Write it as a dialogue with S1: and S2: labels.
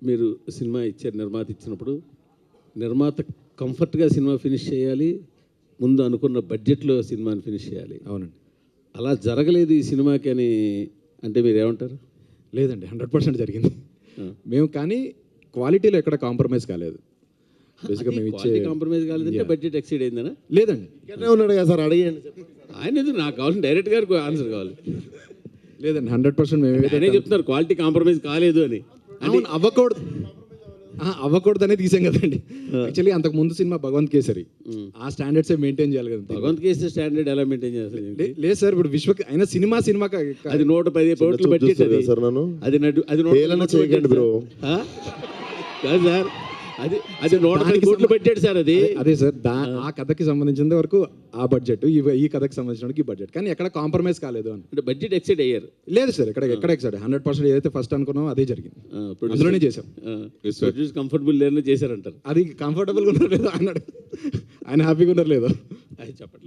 S1: మీరు సినిమా ఇచ్చారు, నిర్మాత ఇచ్చినప్పుడు నిర్మాత కంఫర్ట్గా సినిమా ఫినిష్ చేయాలి, ముందు అనుకున్న బడ్జెట్లో సినిమాని ఫినిష్ చేయాలి.
S2: అవునండి.
S1: అలా జరగలేదు ఈ సినిమాకి అని అంటే మీరు ఏమంటారు?
S2: లేదండి, 100% జరిగింది. మేము కానీ క్వాలిటీలో ఎక్కడ కాంప్రమైజ్ కాలేదు. బేసిక్గా మేము ఇచ్చే
S1: కాంప్రమైజ్ కాలేదంటే బడ్జెట్ ఎక్సీడ్ అయిందనా?
S2: లేదండి,
S3: ఇక్కడనే ఉన్నాడు కదా సార్, అడిగండి.
S1: ఆయన ఎందుకు, నాకు కావాలి డైరెక్ట్ గారికి ఆన్సర్ కావాలి.
S2: లేదండి, 100% మేము
S1: ఆయనే చెప్తున్నారు క్వాలిటీ కాంప్రమైజ్ కాలేదు అని.
S2: అవును, అవ్వకూడదు అనేది తీసాం కదండి. యాక్చువల్లీ అంతకు ముందు సినిమా భగవంత్ కేసరి, ఆ స్టాండర్డ్స్ మెయింటైన్ చేయాలి కదా.
S1: భగవంత్ కేసరి స్టాండర్డ్ ఎలా మెయింటైన్ చేస్తారు?
S2: లేదు సార్, ఇప్పుడు అయినా సినిమా
S1: అది 110 కోట్లు బడ్జెట్ అది.
S3: సార్ నన్ను
S1: అది
S3: హేళన చేయకండి బ్రో.
S1: కాదు సార్, అది 110 కోట్లు బడ్జెట్ సార్. అది
S2: అదే సార్, ఆ కథకి సంబంధించిన వరకు ఆ బడ్జెట్, ఈ కథకి సంబంధించిన ఈ బడ్జెట్, కానీ ఎక్కడ కాంప్రమైజ్ కాలేదు అని.
S1: అంటే బడ్జెట్ ఎక్సైడ్ అయ్యారు?
S2: లేదు సార్, ఎక్కడ ఎక్సైడ్ 100% ఏదైతే ఫస్ట్ అనుకున్నామో అదే జరిగింది. అందులోనే చేసాం.
S1: కంఫర్టబుల్ లేదని చేశారంటారు.
S2: అది కంఫర్టబుల్గా ఉన్నారు లేదు అన్నాడు, ఆయన హ్యాపీగా ఉన్నారు లేదు
S1: అది చెప్పండి.